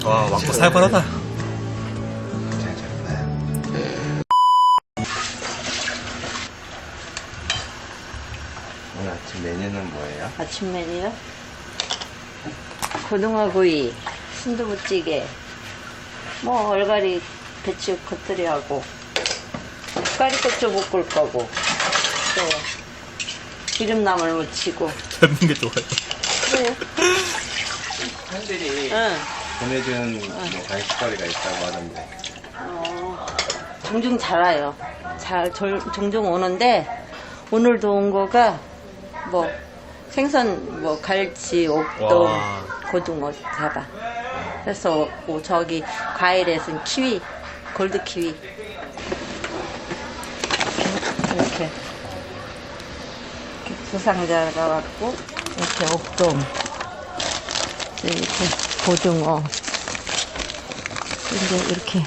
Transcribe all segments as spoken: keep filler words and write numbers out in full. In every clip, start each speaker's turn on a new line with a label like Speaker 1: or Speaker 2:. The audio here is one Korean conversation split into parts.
Speaker 1: 와, 왕고 살벌하다.
Speaker 2: 오늘 아침 메뉴는 뭐예요?
Speaker 3: 아침 메뉴요? 고등어구이, 순두부찌개, 뭐 얼갈이 배추 겉들이하고 까리고추 볶을 거고 또 기름나물 무치고.
Speaker 1: 젊은 게 좋아요.
Speaker 3: 그래요?
Speaker 2: 팬들이
Speaker 3: 응.
Speaker 2: 보내준 뭐 간식거리가 있다고 하던데.
Speaker 3: 어, 종종 잘 와요. 잘 절, 종종 오는데 오늘도 온 거가 뭐 생선 뭐 갈치, 옥돔,
Speaker 1: 와.
Speaker 3: 고등어 잡아. 그래서 뭐 저기 과일에서는 키위, 골드 키위 이렇게 두 상자가 왔고 이렇게 옥돔 이렇게 고등어 이제 이렇게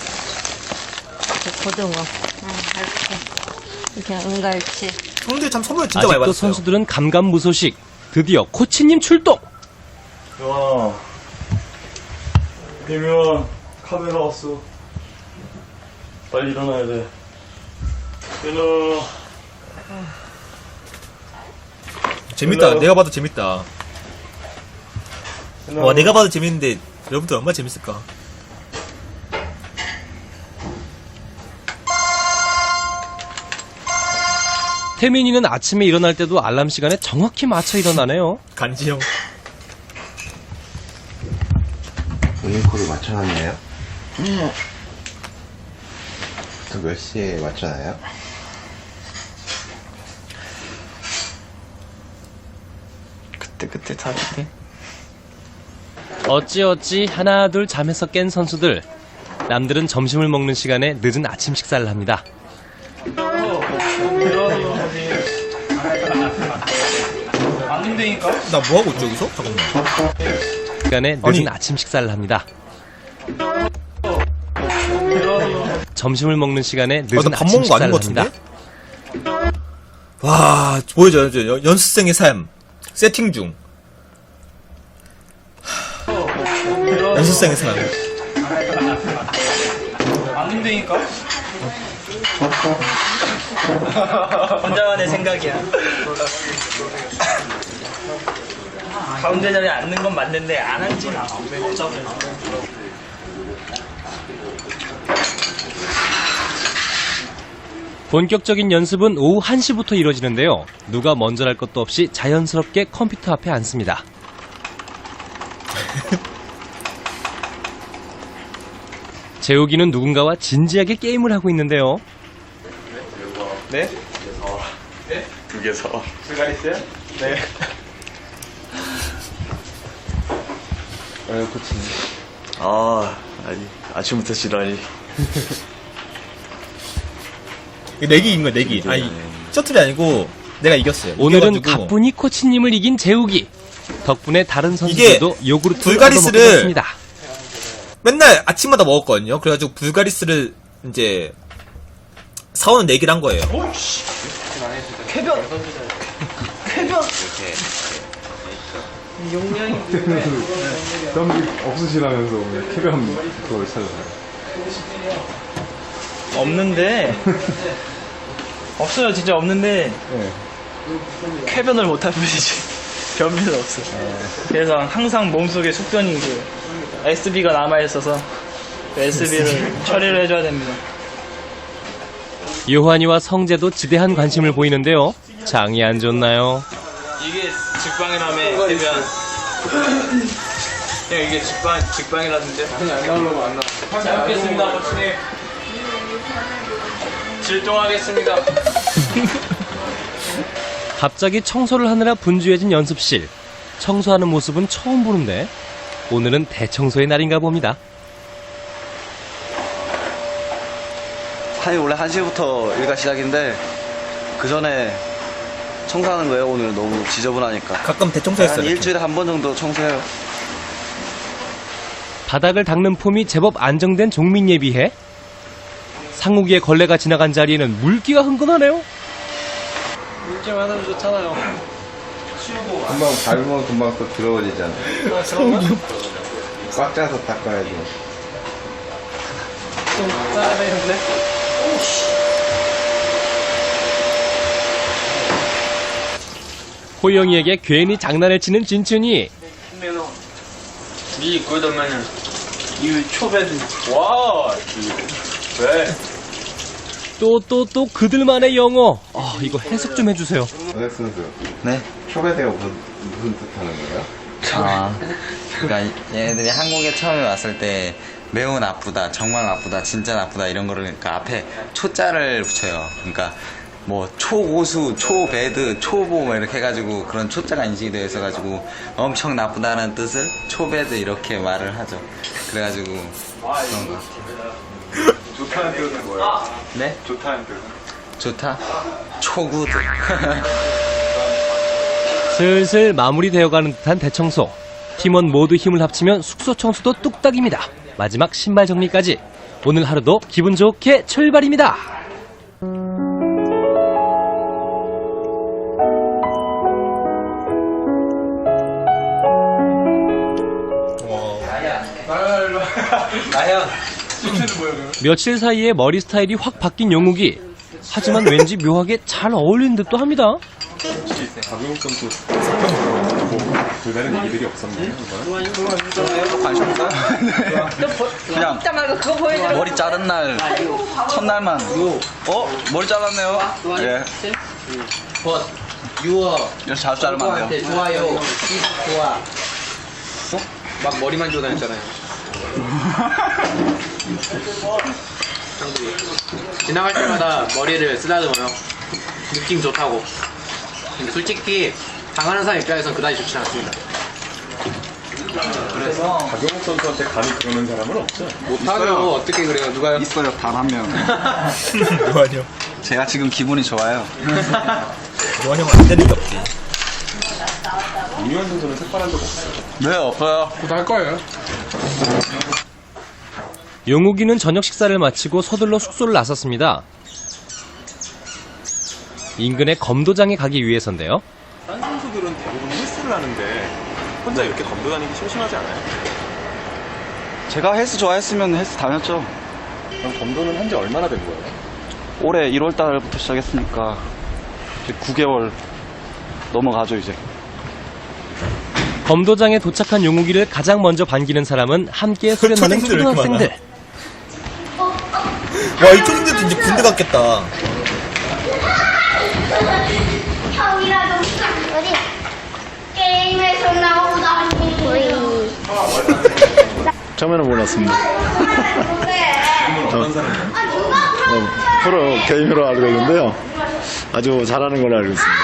Speaker 3: 고등어 이렇게 이렇게 은갈치.
Speaker 1: 형들 참 선물 진짜 많이
Speaker 4: 아직도
Speaker 1: 받았어요.
Speaker 4: 선수들은 감감무소식. 드디어 코치님 출동.
Speaker 5: 야, 대면 카메라 왔어. 빨리 일어나야 돼. 일어나.
Speaker 1: 재밌다.
Speaker 5: 일로.
Speaker 1: 내가 봐도 재밌다.
Speaker 5: 일어나.
Speaker 1: 와, 내가 봐도 재밌는데 여러분들 얼마나 재밌을까?
Speaker 4: 태민이는 아침에 일어날 때도 알람 시간에 정확히 맞춰 일어나네요.
Speaker 1: 간지형.
Speaker 2: 모닝콜을 맞춰놨나요? 네. 또 몇 시에 맞춰놔요?
Speaker 5: 그때 그때 다 그때.
Speaker 4: 어찌어찌 하나 둘 잠에서 깬 선수들. 남들은 점심을 먹는 시간에 늦은 아침 식사를 합니다.
Speaker 5: 안 된다니까?
Speaker 1: 나 뭐하고 있지, 여기서? 잠깐만.
Speaker 4: 시간에 늦은
Speaker 1: 아니.
Speaker 4: 아침 식사를 합니다. 점심을 먹는 시간에
Speaker 1: 아,
Speaker 4: 늦은
Speaker 1: 나밥
Speaker 4: 아침
Speaker 1: 먹은 거 아닌
Speaker 4: 식사를
Speaker 1: 것
Speaker 4: 합니다.
Speaker 1: 같은데? 와, 보여줘요. 저 연- 연습생의 삶. 세팅 중. 하, 연습생의 삶.
Speaker 5: 안 된다니까? 혼자만의 생각이야. 가운데 자리에 앉는 건 맞는데 안 앉지는 않아.
Speaker 4: 본격적인 연습은 오후 한 시부터 이뤄지는데요. 누가 먼저 할 것도 없이 자연스럽게 컴퓨터 앞에 앉습니다. 재욱이는 누군가와 진지하게 게임을 하고 있는데요.
Speaker 5: 네? 네? 두 개 사. 불가리스요? 네.
Speaker 2: 아유, 코치님.
Speaker 5: 아, 아니, 아침부터 지랄이.
Speaker 1: 내기 이긴 거야, 내기. 아니, 셔틀이 아니고 내가 이겼어요.
Speaker 4: 오늘은
Speaker 1: 이겨가지고
Speaker 4: 가뿐히 코치님을 이긴 재욱이. 덕분에 다른
Speaker 1: 이게
Speaker 4: 선수들도 요구르트를
Speaker 1: 불가리스를
Speaker 4: 얻어먹게 됐습니다.
Speaker 1: 맨날 아침마다 먹었거든요. 그래가지고 불가리스를 이제 사오는 내기를 한 거예요.
Speaker 5: 쾌변! 쾌변!
Speaker 6: 덤비 없으시라면서 왜 쾌변 그걸 찾아서요?
Speaker 5: 없는데 없어요. 진짜 없는데
Speaker 6: 네.
Speaker 5: 쾌변을 못할 뿐이지. 변비는 없어. 그래서 항상 몸속에 숙변이 그 에스비가 남아있어서 그 에스비를 처리를 해줘야 됩니다.
Speaker 4: 요한이와 성재도 지대한 관심을 보이는데요. 장이 안 좋나요?
Speaker 5: 이게 직방이라며 대변. 형 이게 직방 직방이라는데. 아니 안 나오려고 안 나와. 잘 먹겠습니다, 코치님. 질동하겠습니다.
Speaker 4: 갑자기 청소를 하느라 분주해진 연습실. 청소하는 모습은 처음 보는데 오늘은 대청소의 날인가 봅니다.
Speaker 7: 아니 원래 한 시부터 일과 시작인데 그 전에 청소하는 거예요. 오늘 너무 지저분하니까
Speaker 1: 가끔
Speaker 7: 한
Speaker 1: 대청소했어요. 이렇게.
Speaker 7: 일주일에 한 번 정도 청소해요.
Speaker 4: 바닥을 닦는 폼이 제법 안정된 종민이에 비해 상욱이의 걸레가 지나간 자리에는 물기가 흥건하네요.
Speaker 5: 물좀 하나면 좋잖아요.
Speaker 2: 금방 밟으면 금방 또 더러워지잖아. 꽉 짜서 닦아야죠.
Speaker 5: 좀 짜는데?
Speaker 4: 호영이에게 괜히 장난을 치는 진춘이.
Speaker 5: 이 그러면은 이 초배는 와 왜?
Speaker 4: 또 또 또 그들만의 영어. 아, 이거 해석 좀 해주세요.
Speaker 2: 오늘 선수.
Speaker 7: 네?
Speaker 2: 초배대가 무슨, 무슨 뜻 하는 거예요?
Speaker 8: 아, 그러니까 얘네들이 한국에 처음에 왔을 때 매우 나쁘다, 정말 나쁘다, 진짜 나쁘다 이런 거를 그러니까 앞에 초자를 붙여요. 그러니까 뭐 초고수, 초배드, 초보 뭐 이렇게 해가지고 그런 초자가 인식이 되어 있어가지고 엄청 나쁘다는 뜻을 초배드 이렇게 말을 하죠. 그래가지고 그런 거 같아요.
Speaker 6: 좋다는 뜻은 뭐예요?
Speaker 8: 네?
Speaker 6: 좋다는 뜻은?
Speaker 8: 좋다? 초구드.
Speaker 4: 슬슬 마무리되어가는 듯한 대청소. 팀원 모두 힘을 합치면 숙소 청소도 뚝딱입니다. 마지막 신발 정리까지. 오늘 하루도 기분 좋게 출발입니다. 며칠 사이에 머리 스타일이 확 바뀐 영욱이. 하지만 왠지 묘하게 잘 어울리는 듯도 합니다.
Speaker 6: 박용욱 선수 뭐 별다른 얘기들이 없었나요?
Speaker 7: 관심 없어요? 그냥
Speaker 3: 이따 말고 그거 보여줘.
Speaker 7: 머리 자른 날 첫날만 어? 머리 잘랐네요. 예. 이렇게 자주 자르면 안 돼요.
Speaker 9: 좋아요. 좋아. 막 머리만 주고 다녔잖아요. 지나갈 때마다 머리를 쓰다듬어요. 느낌 좋다고. 근데 솔직히 당하는 사람 입장에서는 그다지 좋지 않습니다.
Speaker 7: 그래서
Speaker 6: 박용욱 선수한테 감히 그러는 사람은 없죠?
Speaker 9: 못하죠. 어떻게 그래요? 누가요?
Speaker 7: 있어요. 단 한 명.
Speaker 1: 요한형.
Speaker 7: 제가 지금 기분이 좋아요.
Speaker 1: 요한형은 안 되는 게 없지.
Speaker 6: 이유한 선수는 색발한 적 없어요.
Speaker 7: 네, 없어요.
Speaker 9: 곧 할 거예요.
Speaker 4: 용욱이는 저녁 식사를 마치고 서둘러 숙소를 나섰습니다. 인근의 검도장에 가기 위해서인데요.
Speaker 6: 딴 선수들은 대부분 헬스를 하는데 혼자 이렇게 검도 다니기 심심하지 않아요?
Speaker 7: 제가 헬스 좋아했으면 헬스 다녔죠.
Speaker 6: 그럼 검도는 한 지 얼마나 된 거예요?
Speaker 7: 올해 일월 달부터 시작했으니까 이제 구 개월 넘어가죠 이제.
Speaker 4: 검도장에 도착한 용욱이를 가장 먼저 반기는 사람은 함께 수련하는
Speaker 1: 초딩들 왜 이렇게
Speaker 4: 초등학생들.
Speaker 1: 와, 이 초딩들도 이제 군대 갔겠다.
Speaker 10: 형이라도 어디 게임에서 나오다니 거의
Speaker 11: 처음에는 몰랐습니다.
Speaker 6: 어떤 사람이에요?
Speaker 11: 어, 프로 게임으로 알고 있는데요. 아주 잘하는 걸로 알고 있습니다.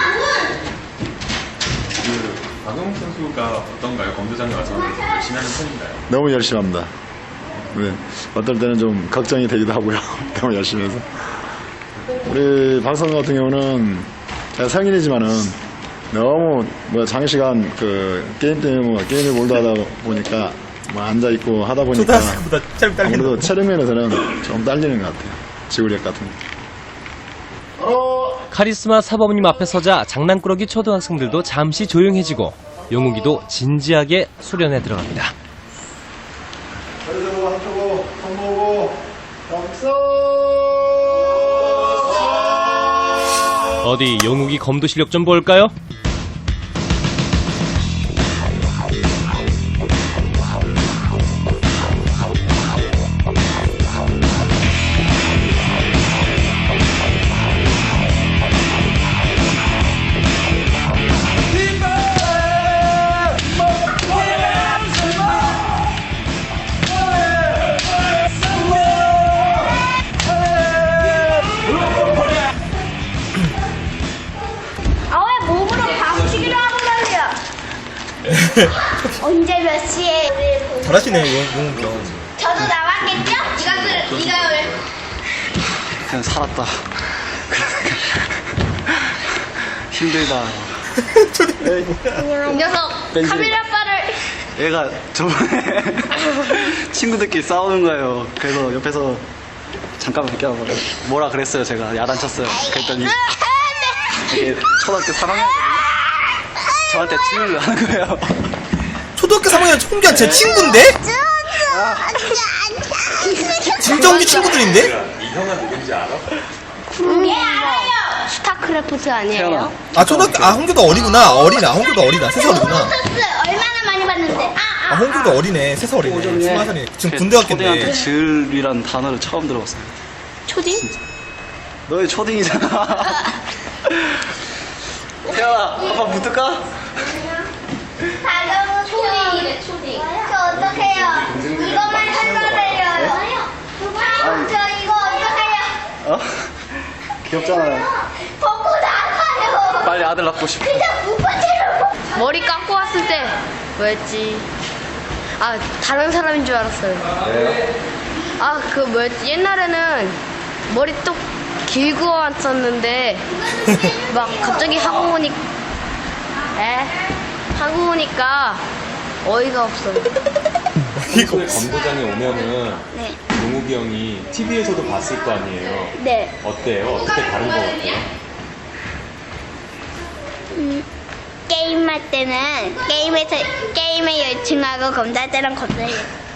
Speaker 6: 그 박용욱 선수가 어떤가요? 검도장에 와서 열심히 하는 편인가요?
Speaker 11: 너무 열심히 합니다. 네, 어떨 때는 좀 걱정이 되기도 하고요. 너무 열심히 해서. 우리 박성 같은 경우는 제가 성인이지만은 너무 뭐 장시간 그 게임 때문에 뭐 게임에 몰두하다 보니까 뭐 앉아 있고 하다 보니까
Speaker 1: 초등학생보다 잘 딸리는
Speaker 11: 아무래도
Speaker 1: 거.
Speaker 11: 체력 면에서는 좀 딸리는 것 같아요. 지구력 같은 거.
Speaker 4: 카리스마 사범님 앞에 서자 장난꾸러기 초등학생들도 잠시 조용해지고 용욱이도 진지하게 수련에 들어갑니다.
Speaker 11: 그래서 한쪽으로 손 모으고 박수.
Speaker 4: 어디 용욱이 검도 실력 좀 볼까요?
Speaker 10: 아 왜 몸으로 박치기를 하고 난리야. 언제 몇 시에
Speaker 1: 잘하시네, 용욱이 형.
Speaker 10: 저도 나왔겠죠? 네가 그 네가 왜
Speaker 7: 그냥 살았다. 힘들다.
Speaker 10: 이 녀석 카메라 바를
Speaker 7: 얘가 저번에 친구들끼리 싸우는 거예요. 그래서 옆에서 잠깐만 비켜봐. 뭐라 그랬어요. 제가 야단쳤어요. 그랬더니 이게 초등학교 삼 학년이거든요. 저한테 치료를 하는 거예요.
Speaker 1: 초등학교 초등학교 삼 학년 홍규환 제 친구인데? 진정규 친구들인데?
Speaker 6: 이 형은 누군지 알아?
Speaker 10: 예, 알아요. 스타크래프트 아니에요?
Speaker 1: 아 초등학교 아 홍규도 어리구나. 어리나 홍규도 어리다. 세 살 어리구나.
Speaker 10: 얼마나 많이 봤는데. 아,
Speaker 1: 아 홍규도 어리네. 세 살 어리네. 스무 살이네. 지금 군대
Speaker 7: 초딩한테
Speaker 1: 갔겠네.
Speaker 7: 즈을이란 단어를 처음 들어봤어요.
Speaker 10: 초딩?
Speaker 7: 너희 초딩이잖아. 태연아, 아빠 붙을까?
Speaker 10: 다른 초딩이래, 초딩. 저 어떡해요? 이것만 설명드려요. 저 이거 어떡해요?
Speaker 7: 어? 귀엽잖아요.
Speaker 10: 벗고 나가요.
Speaker 7: 빨리 아들 낳고 싶어.
Speaker 10: 그냥 무파체로. 머리 깎고 왔을 때 뭐였지? 아, 다른 사람인 줄 알았어요. 아, 그 뭐였지? 옛날에는 머리 또 길고 왔었는데 막 갑자기 하고 오니 에? 하고 오니까 어이가 없어.
Speaker 6: 평소에 검도장에 오면은
Speaker 10: 네.
Speaker 6: 용욱이 형이 티비에서도 봤을 거 아니에요?
Speaker 10: 네.
Speaker 6: 어때요? 어떻게 다른 거 같아요?
Speaker 10: 음, 게임할 때는 게임에서 게임에 열중하고 검사할 때는 검사해.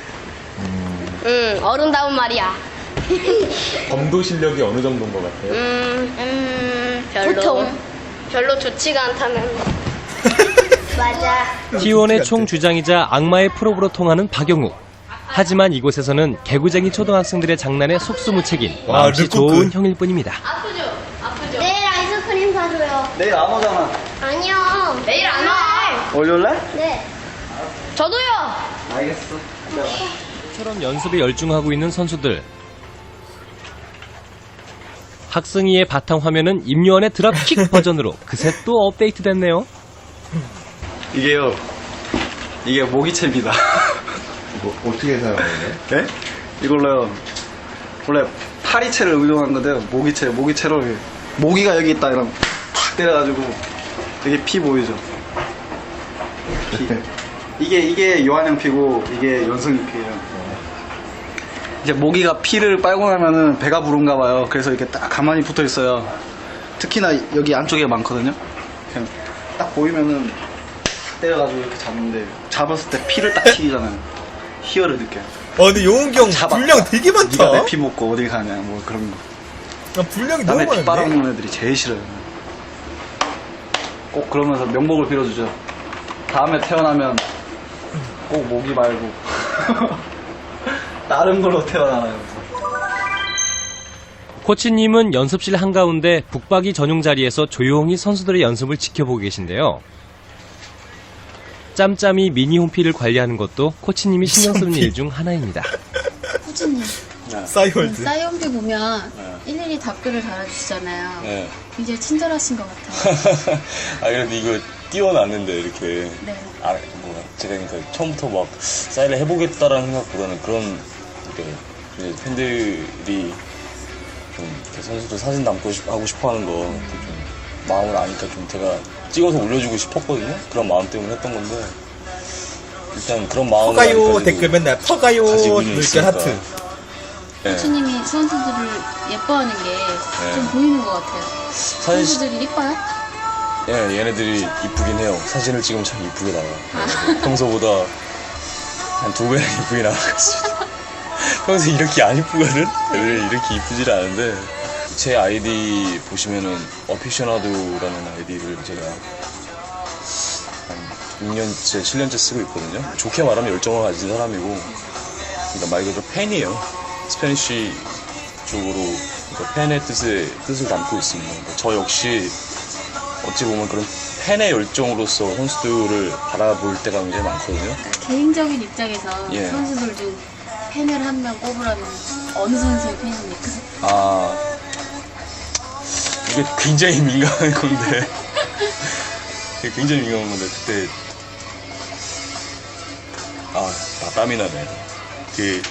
Speaker 10: 응, 어른다운 말이야.
Speaker 6: 검도 실력이 어느 정도인 것 같아요?
Speaker 10: 음, 음, 별로. 보통. 별로 좋지가 않다는. 맞아.
Speaker 4: 티원의 총주장이자 악마의 프로브로 통하는 박영욱. 하지만 이곳에서는 개구쟁이 초등학생들의 장난에 속수무책인
Speaker 1: 와,
Speaker 4: 마음씨
Speaker 1: 르코크.
Speaker 4: 좋은 형일 뿐입니다.
Speaker 10: 아프죠? 아프죠? 내일 아이스크림 사줘요.
Speaker 7: 내일 안 오잖아.
Speaker 10: 아니요. 내일 안 와.
Speaker 7: 월요일날?
Speaker 10: 네. 저도요.
Speaker 7: 알겠어.
Speaker 4: 처럼 연습에 열중하고 있는 선수들. 학승이의 바탕 화면은 임요한의 드랍킥 버전으로 그새 또 업데이트됐네요.
Speaker 7: 이게요. 이게 모기채입니다.
Speaker 2: 뭐, 어떻게 사용하는
Speaker 7: 네? 이걸로요. 원래 파리채를 의존한 건데요. 모기채, 모기채로 이렇게 모기가 여기 있다 이러면 탁 때려가지고 이게 피 보이죠? 피. 이게 이게 요한형 피고 이게 연승이 피예요. 이제 모기가 피를 빨고 나면은 배가 부른가 봐요. 그래서 이렇게 딱 가만히 붙어 있어요. 특히나 여기 안쪽에 많거든요. 그냥 딱 보이면은 탁 때려가지고 이렇게 잡는데 잡았을 때 피를 딱 튀기잖아요. 희열을 느껴요.
Speaker 1: 어 근데 용욱이 형
Speaker 7: 잡았다.
Speaker 1: 분량 되게 많다.
Speaker 7: 네가 내 피 먹고 어딜 가냐 뭐 그런 거.
Speaker 1: 야, 분량이 너무
Speaker 7: 남의 피
Speaker 1: 많은데.
Speaker 7: 빨아먹는 애들이 제일 싫어요. 꼭 그러면서 명복을 빌어주죠. 다음에 태어나면 꼭 모기 말고 다른 걸로 태어나요.
Speaker 4: 코치님은 연습실 한가운데 북박이 전용 자리에서 조용히 선수들의 연습을 지켜보고 계신데요. 짬짬이 미니 홈피를 관리하는 것도 코치님이 신경 쓰는 일 중 하나입니다.
Speaker 12: 코치님,
Speaker 1: 싸이월드.
Speaker 12: 싸이홈피 보면 일일이 답글을 달아주시잖아요.
Speaker 6: 네.
Speaker 12: 굉장히 친절하신 것 같아요.
Speaker 6: 아, 그래도 이거 띄워놨는데, 이렇게.
Speaker 12: 네.
Speaker 6: 아, 뭐, 제가 그러니까 처음부터 막 사인을 해보겠다라는 생각보다는 그런, 이렇게, 이제 팬들이 좀 이렇게 선수들 사진 담고 싶, 하고 싶어 하는 거, 좀 마음을 아니까 좀 제가 찍어서 올려주고 싶었거든요? 그런 마음 때문에 했던 건데, 일단 그런 마음을.
Speaker 1: 퍼가요
Speaker 6: 가지고
Speaker 1: 댓글 맨날 퍼가요
Speaker 6: 가지고
Speaker 1: 물결
Speaker 6: 있으니까.
Speaker 1: 하트.
Speaker 6: 네.
Speaker 12: 코치님이 선수들을 예뻐하는 게 좀 보이는 것 같아요.
Speaker 6: 사실-
Speaker 12: 선수들이 예뻐요?
Speaker 6: 예, 얘네들이 이쁘긴 해요. 사진을 찍으면 참 이쁘게 나와요. 네, 평소보다 한 두 배나 이쁘게 나와가지고. 평소에 이렇게 안 이쁘거든? 애들이 이렇게 이쁘질 않은데. 제 아이디 보시면은, 어피셔나도라는 아이디를 제가 한 육 년째, 칠 년째 쓰고 있거든요. 좋게 말하면 열정을 가진 사람이고, 그러니까 말 그대로 팬이에요. 스페니쉬 쪽으로, 그러니까 팬의 뜻에, 뜻을 담고 있습니다. 그러니까 저 역시, 어찌 보면 그런 팬의 열정으로서 선수들을 바라볼 때가 굉장히 많거든요.
Speaker 12: 개인적인 입장에서
Speaker 6: 예.
Speaker 12: 선수들도 팬을 한 명 꼽으라면 어느 선수의 팬입니까?
Speaker 6: 아, 이게 굉장히 민감한 건데. 이게 굉장히 민감한 건데, 그때. 아, 나 땀이 나네. 그,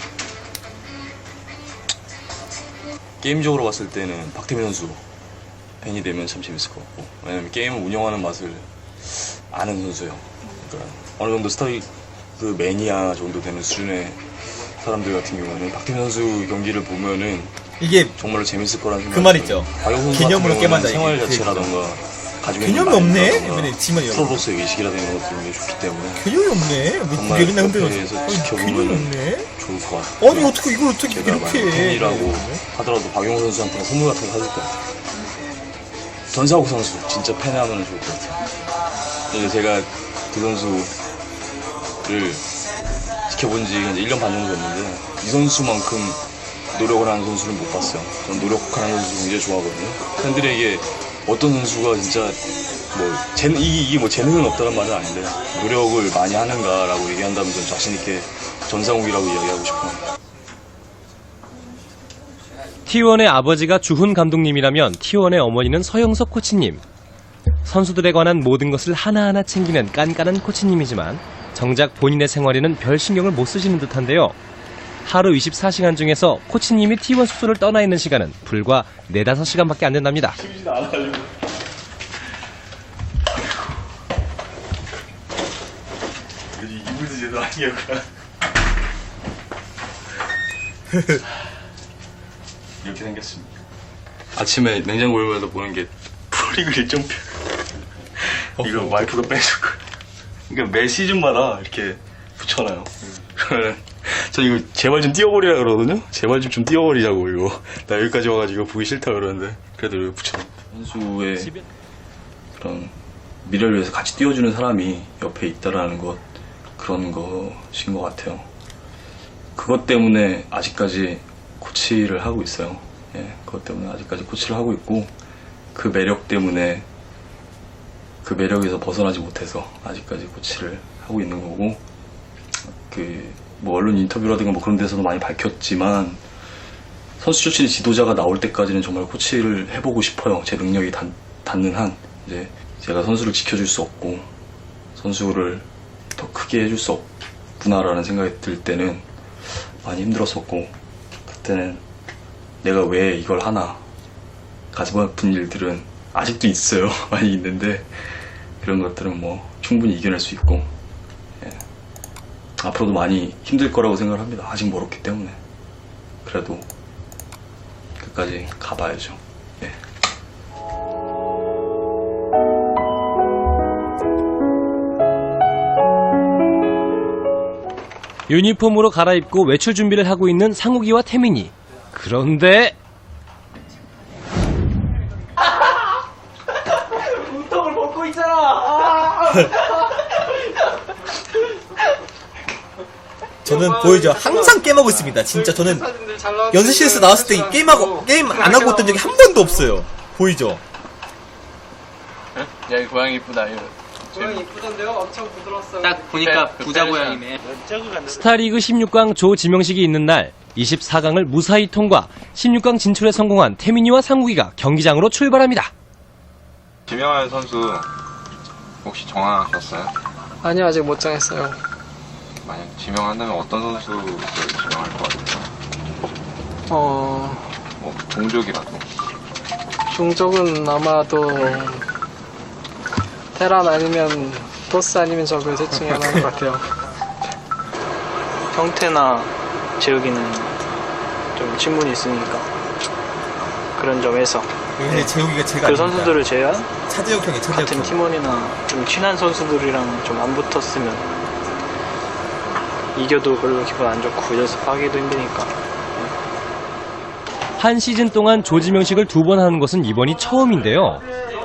Speaker 6: 게임적으로 봤을 때는 박태민 선수 팬이 되면 참 재밌을 것 같고. 왜냐면 게임을 운영하는 맛을 아는 선수예요. 그러니까 어느 정도 스타일, 그 매니아 정도 되는 수준의 사람들 같은 경우는 박태민 선수 경기를 보면은
Speaker 1: 이게
Speaker 6: 정말로 재밌을 거라는 생각이
Speaker 1: 그 말 있죠.
Speaker 6: 박영 선수
Speaker 1: 기념으로
Speaker 6: 같은
Speaker 1: 게임한다,
Speaker 6: 경우는 생활
Speaker 1: 이게.
Speaker 6: 자체라던가 가지고
Speaker 1: 개념이
Speaker 6: 있는
Speaker 1: 없네.
Speaker 6: 마인드라던가
Speaker 1: 이번에 지만 여
Speaker 6: 프로로서의 의식이라는 것들이 게 좋기 때문에
Speaker 1: 개념이 없네. 왜 두 개나 흔들어서.
Speaker 6: 옆에서
Speaker 1: 아니, 개념이
Speaker 6: 지켜보면
Speaker 1: 없네.
Speaker 6: 좋을 것 같아요.
Speaker 1: 아니, 어떻게 이걸 어떻게
Speaker 6: 제가
Speaker 1: 이렇게
Speaker 6: 만약
Speaker 1: 해.
Speaker 6: 팬이라고 하더라도 박용호 선수한테 선물 같은 거 사줄 것 같아요. 전상욱 선수 진짜 팬하면 좋을 것 같아요. 이제 제가 그 선수를 지켜본 지 이제 일 년 반 정도 됐는데 이 선수만큼 노력을 하는 선수를 못 봤어요. 전 노력하는 선수 굉장히 좋아하거든요. 팬들에게 어떤 선수가 진짜 뭐 재능, 이게, 이게 뭐 재능은 없다는 말은 아닌데 노력을 많이 하는가라고 얘기한다면 전 자신 있게 전상욱이라고 이야기하고 싶어요.
Speaker 4: 티원의 아버지가 주훈 감독님이라면 티원의 어머니는 서영석 코치님. 선수들에 관한 모든 것을 하나하나 챙기는 깐깐한 코치님이지만 정작 본인의 생활에는 별 신경을 못 쓰시는 듯한데요. 하루 이십사 시간 중에서 코치님이 티원 숙소를 떠나 있는 시간은 불과 네다섯 시간밖에 안 된답니다.
Speaker 6: 이불도 제대로 아니었구나. 이렇게 생겼습니다. 아침에 냉장고 열면서 보는 게 프로리그 일정표. 이거 와이프가 빼주고. 그러니까 매 시즌마다 이렇게 붙여놔요. 그러면 저 이거 제발 좀 띄워버리라 그러거든요. 제발 좀 좀 띄워버리자고 이거. 나 여기까지 와가지고 보기 싫다 그러는데 그래도 이렇게 붙여놔. 선수의 그런 미래를 위해서 같이 띄워주는 사람이 옆에 있다라는 것, 그런 것인 것 같아요. 그것 때문에 아직까지 코치를 하고 있어요. 예, 그것 때문에 아직까지 코치를 하고 있고 그 매력 때문에 그 매력에서 벗어나지 못해서 아직까지 코치를 하고 있는 거고, 그 뭐 언론 인터뷰라든가 뭐 그런 데서도 많이 밝혔지만 선수 출신의 지도자가 나올 때까지는 정말 코치를 해보고 싶어요. 제 능력이 닿, 닿는 한. 이제 제가 선수를 지켜줄 수 없고 선수를 더 크게 해줄 수 없구나라는 생각이 들 때는 많이 힘들었었고, 그때는 내가 왜 이걸 하나, 가슴 아픈 일들은 아직도 있어요. 많이 있는데 그런 것들은 뭐 충분히 이겨낼 수 있고, 예. 앞으로도 많이 힘들 거라고 생각을 합니다. 아직 멀었기 때문에. 그래도 끝까지 가봐야죠. 예.
Speaker 4: 유니폼으로 갈아입고 외출 준비를 하고 있는 상욱이와 태민이. 그런데
Speaker 5: 운동을 벗고 있잖아.
Speaker 1: 저는 보이죠. 항상 게임하고 있습니다. 진짜 저는 연습실에서 나왔을 때 게임하고 게임 안 하고 있던 적이 한 번도 없어요. 보이죠?
Speaker 9: 야, 이 고양이 이쁘다. 이거.
Speaker 5: 고양이 이쁘던데요? 엄청 부드러웠어요.
Speaker 9: 딱 보니까 부자 고양이네.
Speaker 4: 스타리그 십육 강 조지명식이 있는 날 이십사 강을 무사히 통과, 십육 강 진출에 성공한 태민이와 상욱이가 경기장으로 출발합니다.
Speaker 13: 지명할 선수 혹시 정하셨어요?
Speaker 5: 아니요, 아직 못 정했어요.
Speaker 13: 만약 지명한다면 어떤 선수를 지명할 것 같아요?
Speaker 5: 어,
Speaker 13: 뭐 종족이라도.
Speaker 5: 종족은 아마도 테란 아니면 토스 아니면 저그 셋 중에 하나인 것 같아요. 형태나 재욱이는 좀 친분이 있으니까 그런 점에서
Speaker 1: 근데 재욱이가 제가
Speaker 5: 그
Speaker 1: 아닙니다.
Speaker 5: 선수들을 제외한
Speaker 1: 차재혁 형이 차재혁
Speaker 5: 같은
Speaker 1: 형.
Speaker 5: 팀원이나 좀 친한 선수들이랑 좀 안 붙었으면 이겨도 별로 기분 안 좋고 연습하기도 힘드니까.
Speaker 4: 한 시즌 동안 조지명식을 두 번 하는 것은 이번이 처음인데요.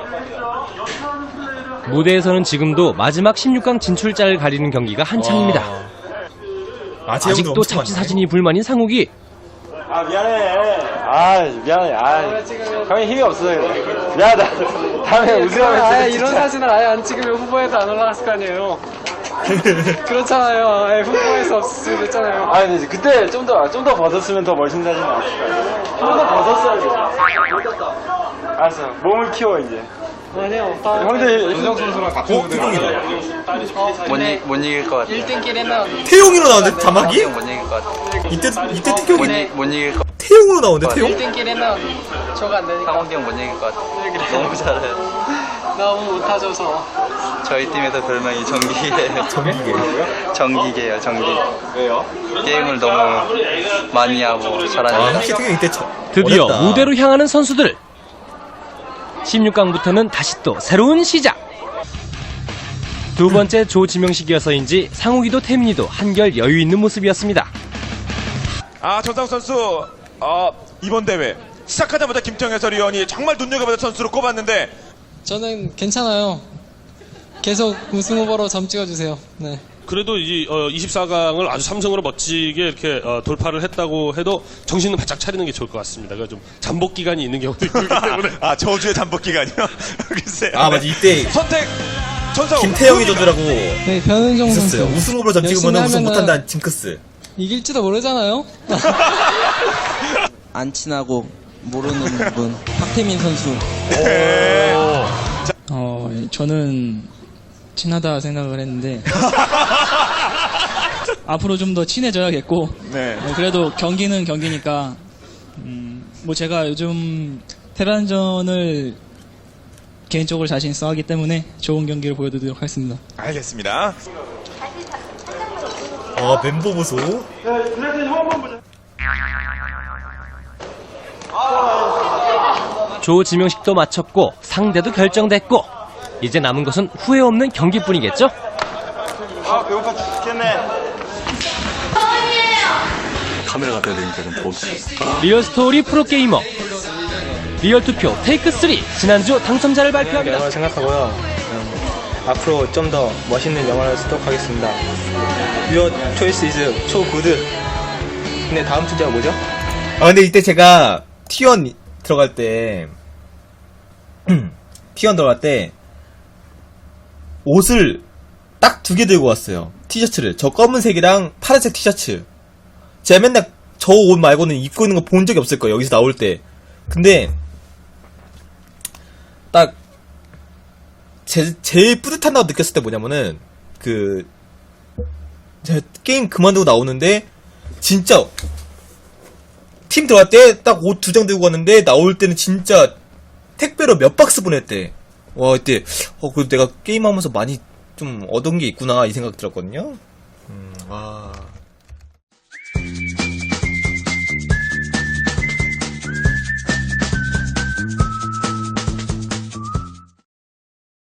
Speaker 4: 무대에서는 지금도 마지막 십육 강 진출자를 가리는 경기가 한창입니다.
Speaker 1: 아, 재욱이도
Speaker 4: 아직도
Speaker 1: 엄청
Speaker 4: 잡지
Speaker 1: 많네.
Speaker 4: 사진이 불만인 상욱이.
Speaker 7: 아 미안해. 아 미안해. 아 형이 힘이 없어요. 미안하다. 다음에 우승하면
Speaker 5: 아예 이런 사진을 아예 안 찍으면 후보에도 안 올라갔을 거 아니에요. 그렇잖아요. 아예 후보에서 없을 수 있잖아요.
Speaker 7: 아 근데 그때 좀 더 좀 더 벗었으면 더 멋있는 사진 나왔을 거예요. 좀 더 벗었어야지. 알았어. 몸을 키워 이제.
Speaker 5: 아니요.
Speaker 7: 형들
Speaker 13: 윤정 선수랑 같은 무대
Speaker 8: 못, 이, 못 이길 것 같아.
Speaker 5: 일 등끼리는
Speaker 1: 태용이로 나오는데 자막이?
Speaker 8: 못 이길 것 같아.
Speaker 1: 이때 이때
Speaker 8: 못,
Speaker 1: 태용이
Speaker 8: 이, 못 이길 것 같아.
Speaker 1: 태용으로 나오는데 태용?
Speaker 5: 일 등끼리는 저가 안 되니까.
Speaker 8: 상욱이 형 못 이길 것 같아. 너무 잘해요.
Speaker 5: 너무 못하셔서.
Speaker 8: 저희 팀에서 별명이 정기계예요.
Speaker 1: 정기계요?
Speaker 8: 정기계예요, 정기.
Speaker 7: 왜요?
Speaker 8: 게임을 너무 많이 하고
Speaker 1: 아,
Speaker 8: 잘하니까.
Speaker 1: 확실히 태용이 이때 저,
Speaker 4: 드디어
Speaker 1: 어렵다.
Speaker 4: 무대로 향하는 선수들. 십육 강부터는 다시 또 새로운 시작. 두 번째 조지명식이어서인지 상욱이도 태민이도 한결 여유 있는 모습이었습니다.
Speaker 14: 아, 전상욱 선수, 어, 이번 대회 시작하자마자 김태형 해설위원이 정말 눈여겨보던 선수로 꼽았는데
Speaker 15: 저는 괜찮아요. 계속 우승 후보로 점 찍어주세요. 네.
Speaker 16: 그래도 이 어, 이십사 강을 아주 삼성으로 멋지게 이렇게 어, 돌파를 했다고 해도 정신은 바짝 차리는 게 좋을 것 같습니다. 그러니까 좀 잠복 기간이 있는 경우도 있기 때문에.
Speaker 14: 아, 저주의 잠복 기간이요? 글쎄요.
Speaker 1: 아 맞아 이때
Speaker 14: 선택 전상욱
Speaker 1: 김태형이 저주라고
Speaker 15: 네, 변은정
Speaker 1: 있었어요.
Speaker 15: 선수.
Speaker 1: 우승 후보로 점 찍으면
Speaker 15: 열심히
Speaker 1: 우승
Speaker 15: 하면은
Speaker 1: 못한다는 징크스.
Speaker 15: 이길지도 모르잖아요.
Speaker 17: 안 친하고 모르는 분 박태민 선수.
Speaker 5: 어, 저는 친하다 생각을 했는데 앞으로 좀 더 친해져야겠고
Speaker 14: 네.
Speaker 5: 어, 그래도 경기는 경기니까 음, 뭐 제가 요즘 테란전을 개인적으로 자신 있어 하기 때문에 좋은 경기를 보여드리도록 하겠습니다.
Speaker 14: 알겠습니다.
Speaker 1: 아 멤버 보소.
Speaker 4: 조지명식도 마쳤고 상대도 결정됐고 이제 남은 것은 후회 없는 경기뿐이겠죠?
Speaker 7: 아 배고파 죽겠네.
Speaker 6: 카메라가 돼야 되니까 좀 보고.
Speaker 4: 리얼스토리 프로게이머 리얼투표 테이크 쓰리 지난주 당첨자를 발표합니다.
Speaker 5: 영화를 생각하고요. 음, 앞으로 좀 더 멋있는 영화를 쓰도록 하겠습니다. Your choice is so good. 근데 다음 주제가 뭐죠?
Speaker 1: 아 근데 이때 제가 티원 들어갈 때 티원 들어갈 때 옷을 딱 두 개 들고 왔어요. 티셔츠를. 저 검은색이랑 파란색 티셔츠. 제가 맨날 저 옷 말고는 입고 있는 거 본 적이 없을 거예요. 여기서 나올 때. 근데 딱 제, 제일 뿌듯하다고 느꼈을 때 뭐냐면은 그 제가 게임 그만두고 나오는데 진짜 팀 들어갈 때 딱 옷 두 장 들고 갔는데 나올 때는 진짜 택배로 몇 박스 보냈대. 와 이때 어 그래도 내가 게임하면서 많이 좀 얻은 게 있구나 이 생각 들었거든요. 음, 와.